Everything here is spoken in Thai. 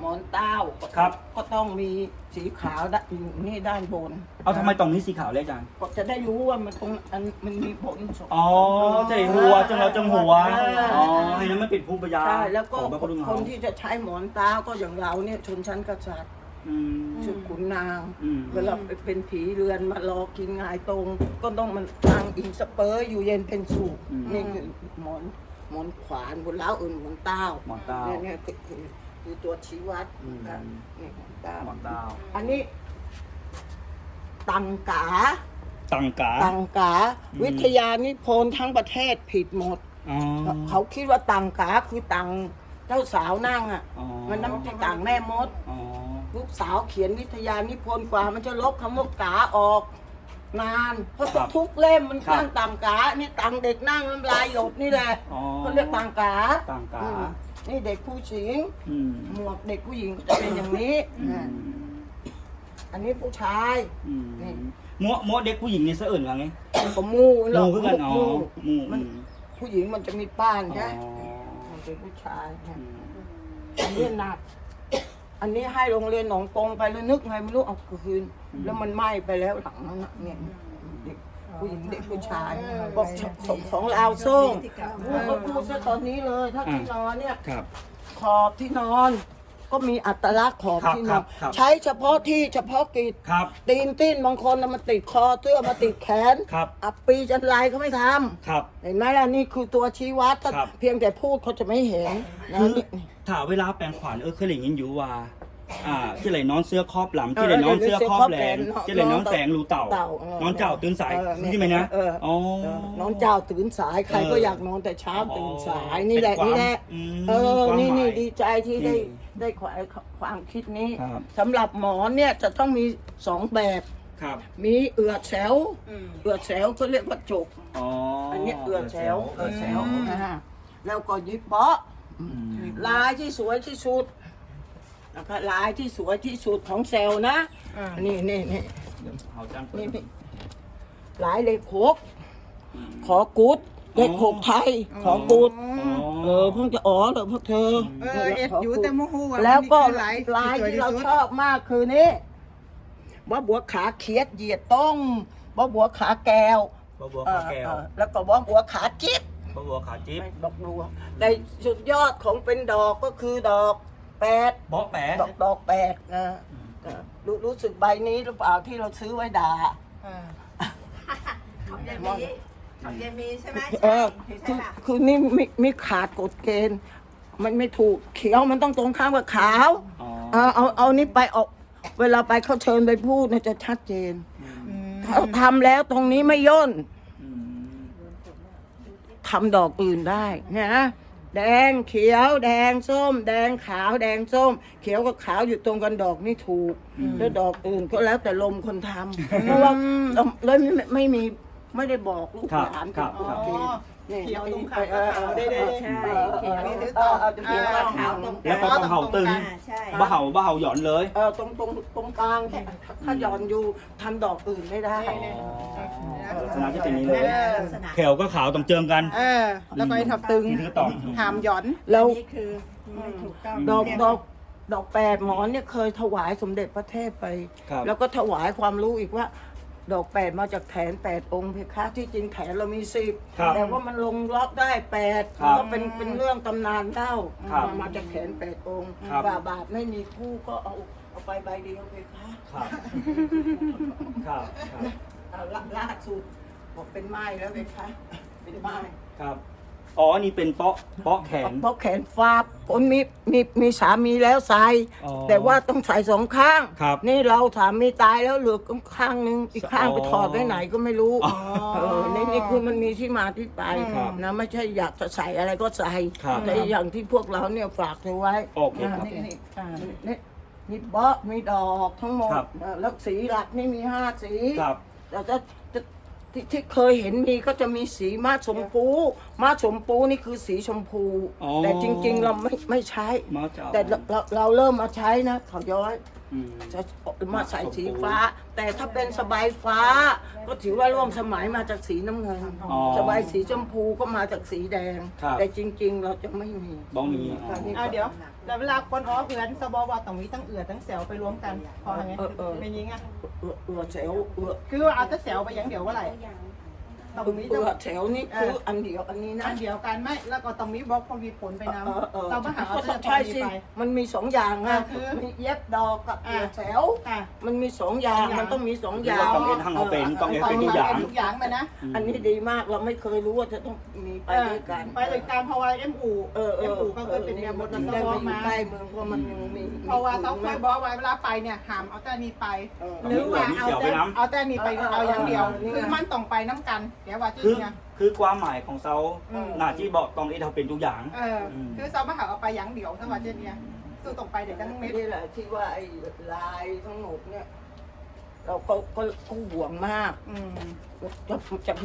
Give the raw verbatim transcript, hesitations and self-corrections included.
อนเต้าครับก็ต้องมีสีขาวด้านนี่ด้านบนเอาทำไมตรงนี้สีขาวเลยอาจารย์ก็จะได้รู้ว่ามันตรงอันมันมีผลสมอ๋อจะได้หัวจังเราจังหัวเอออ๋อให้นั้นมันปิดภูมิปัญญาใช่แล้วก็ของบรรพบุรุษคเขานที่จะใช้หมอนเต้าก็อย่างเราเนี่ยชนชั้นกษัตริย์อืมชุดขุนนางอืมเวลาเป็นผีเรือนมารอกินงายตรง ก็ต้องมันทางอิงสเปอร์อยู่เย็นเป็นสุขนี่คือหมอนหมอนขวานบนเล้าอื่นหมอนเต้าหมอนเต้าเนี่ยเนี่ยคือคือคือตัวชี้วัดอืมอ่ะนี่หมอนเต้าหมอนเต้าอันนี้ตังกาตังกาตังกาอืมวิทยานิพนธ์ทั้งประเทศผิดหมดอ๋อเขาคิดว่าตังกาคือตังเจ้าสาวนั่งอ่ะอ๋อมันน้ำจะต่างแม่มดอ๋อลูกสาวเขียนวิทยานิพนธ์กว่ามันจะลบคำว่ากาออก นานเพราะทุกเล่มมันตั้งตังกานี่ตังเด็กนั่งน้ำลายหยดนี่แหละอ๋อเขาเรียกตังกาตังกาอืมนี่เด็กผู้หญิงอืมหมวกเด็กผู้หญิงจะเป็นอย่างนี้อือ่ะมอันนี้ผู้ชายอืมนี่มัวมัวเด็กผู้หญิงนี่เสะอื่นว่าไงก็มูหรอกมูคือกันอ๋อมูมูมันอืมผู้หญิงมันจะมีป้านใช่ไหมอ๋อมันเป็นผู้ชายอืนะมอันนี้หนัก อันนี้ให้โรงเรียนหนองกงไปแล้วนึกไงไม่รู้เอาคืน แล้วมันไหม้ไปแล้วหลังนั้นน่ะเนี่ยเด็กผู้หญิงเด็กผู้ชายบอกของของเราวส้มพูดก็พูดซะตอนนี้เลย ถ้าที่นอนเนี่ยครับขอบที่นอน ก็มีอัตลักษณ์ขอบครับที่นครัอนบครับใช้เฉพาะที่เฉพาะกิจครับตีนติ้นบางคนน่ะมันติดคอเสื้อมาติดแขนครับอับปีจันไรเขาไม่ทำครับเห็นไหมล่ะนี่คือตัวชี้วัดถ้าครับเพียงแต่พูดเขาจะไม่เห็นนะคือนี่ถ้าเวลาแปลงขวานเออเคยได้ยินอยู่ว่า อ่าที่ไหนนอนเสื้อครอบหลังที่ไหนนอนเสื้อครอบแหลมที่ไหนนอนแสงรูเต่า นอนเจ้าตื่นสายเออใช่ไหมนะเอออ๋อเออน้องเจ้าตื่นสายใครก็เออออยากนอนแต่เช้าตื่นสายอ๋อนี่แหละเป็นความนี่แหละอืมเออความนี่หมายนี่ดีใจที่ได้นี่ได้ความความคิดนี้ครับสำหรับหมอเนี่ยจะต้องมีสองแบบครับมีเอือดแฉวเอือดแฉวก็เรียกว่าจกอ๋ออัอันนี้เอือดแฉวเอือดแฉวอืมนะฮะแล้วก็ยิบเปาะอืมลายที่สวยที่สุดนะคะลายที่สวยที่สุดของเซลล์นะนี่นี่นี่เดี๋ยวเอาจานเปิดนี่นี่ลายเลขหกขอกุดเลขหกไทย ขอกุดอ๋อเออเพิ่งจะอ๋อเหรอพวกเธอเออเอ็ดอยู่แต่โมโหว่าแล้วก็มันคือลายลายที่เราสวยที่สุดชอบมากคือนี่ว่าบัวขาเขียดเหยียดต้องว่าบัวขาแก้วบัวบัวเอขาอแก้วเออแล้วก็ว่าบัวขาจิ๊บบัวบัวขาจิ๊บดอกบัวในสุดยอดของเป็นดอกก็คือดอกแปดเบาะแปะดอกดอกแปดนะเออรู้รู้สึกใบนี้หรือเปล่าที่เราซื้อไว้ด่าเออของยายมีของยายมีใช่ไหมเออใช่คือป่ะคือนี่มีมีขาดกฎเกณฑ์ มันไม่ถูกเขียวมันต้องตรงข้ามกับขาวอ๋อเอาเอาเอานี่ไปออก เวลาไปเขาเชิญไปพูดเนี่ยจะชัดเจนอืมเขาทำแล้วตรงนี้ไม่ย่นอืมทำดอกอื่นได้นะแดงเขียวแดงส้ม แดงขาวแดงส้ม เขียวกับขาวอยู่ตรงกันดอกนี่ถูกแล้วดอกอื่นก็แล้วแต่ลมคนทำเพราะว่าเลยไม่ไม่มีไม่ได้บอกลูกครับหลานครับโอครับเคนี่เขียวตรงขาเออเออได้ได้ใช่เออเขียวเออนี่เออเออเขียวขาวขาวตรงกแล้วก็ลางต้องเห่าตึงอ่าใช่บ้าเห่าบ้าเห่าหย่อนเลยเออตรงตรงตรงกลางเนี่ยถ้าหย่อนอยู่ทำดอกอื่นไม่ได้ลักษณะที่เป็นนี้เลยลักษณะแขวก็ขาวต้องเจิมกันเออ แล้วก็ไอ้ทับตึงนี่คือต่อหามหย่อนแล้วนี่คือไม่ถูกต้องดอกดอกดอกแปดหมอนเนี่ยเคยถวายสมเด็จพระเทพไปครับแล้วก็ถวายความรู้อีกว่า ดอกแปดมาจากแขนแปดองค์เพคะที่จริงแขนเรามีสิบครับแต่ว่ามันลงล็อกได้แปดครับก็เป็นเป็นเรื่องตำนานเล่าครับมาจากแขนแปดองค์ครับฝ่าบาทไม่มีคู่ก็เอาเอาไปใบเดียวเพคะครับ ครับ ครับเอาละล่าสุดบอกเป็นไม้แล้วเพคะเป็นไม้ครับ อ๋อ อันนี้เป็นเปาะ เปาะแขนเพราะแขนฟาบคนมีมีมีสามีแล้วใส่อ๋อแต่ว่าต้องใส่สองข้างครับนี่เราสามีตายแล้วเหลือข้างนึงอีกข้างอ๋อไปถอดไว้ไหนก็ไม่รู้อ๋อเออนี่นี่คือมันมีที่มาที่ไปครับนะไม่ใช่อยากจะใส่อะไรก็ใส่ครับแต่อย่างที่พวกเราเนี่ยฝากเธอไว้โอเคครับนี่นี่อ่านี่นี่เบาะมีดอกทั้งหมดครับเออแล้วสีหลักนี่มีห้าสีครับแต่จะจะที่ที่เคยเห็นมีก็จะมีสีมาชมพูมาชมพูนี่คือสีชมพูอ๋อแต่จริง ๆ เราไม่ไม่ใช้มาเจ้าแต่เราเราเราเริ่มมาใช้นะเขาย้อยอืมจะมาใส่สีฟ้า แต่ถ้าเป็นสบายฟ้า ก็ถือว่าร่วมสมัยมาจากสีน้ำเงินอ๋อสบายสีชมพูก็มาจากสีแดงครับแต่จริง ๆ เราจะไม่มีบ้องมีอ๋อเอาเดี๋ยวแล้วเวลาคนอ้อเหือนสบว่าต้องมีทั้งเอือทั้งแสวไปรวมกันพอไงเออเออเป็นยิงอ่ะเอือเอือแถวเอือคือว่าเอาแต่แสวไปอย่างเดียวว่าไรต้องมีเอืต้องอแถวนี่คืออันเดียวอันนี้นะอันเดียวกันไหมแล้วก็ต้องมีบล็อกพอมีผลไปนเออเออำเรามาหาเอาแต่พอใช่มีสิไปมันมีสองอย่างอ่าอะคือมีเย็บดอกกับเอือแถวอ่ะมันมีสองอย่างสองอย่างมันต้องมีสองอคือย่าง ว่าต้องเอ็นทั้งเอาเป็นต้องเอ็นต้อเป็งนมีทุกอย่างทุกอย่างไปนะอันนี้ดีมากเราไม่เคยรู้ว่าจะต้องมีไปด้วยกันไปด้วยกันเพราะว่าเอ็มอูเออเอเอ็มออูก็เคยเป็นเมียบนมันั้น นได้ก็บมาอกอยู่มาใกล้เมืองเพราะมันมีเพราะว่าต้องเคยบอกไว้เวลาไปเนี่ยห้ามเอาแต่นี้ไปเออหรือว่าเอาแต่เอาแต่นี้ไปเออเออเอาอย่างเดียวเออคือมันต้องไปน้ำกันแกว่าจริคืองนะคือความหมายของเซาอืมหน้าที่บอกต้องเอ็นเอาเป็นทุกอย่างเอออมคือเรามาหาเอาไปอย่างเดียวถ้าว่าเช่นเนี้ยคือต้องไปเด็กทั้งเม็ดนี่แหละที่ว่าไอ้ลายทั้งหมดเนี่ย เราก็ก็ก็ห่วงมากอืมจะจะ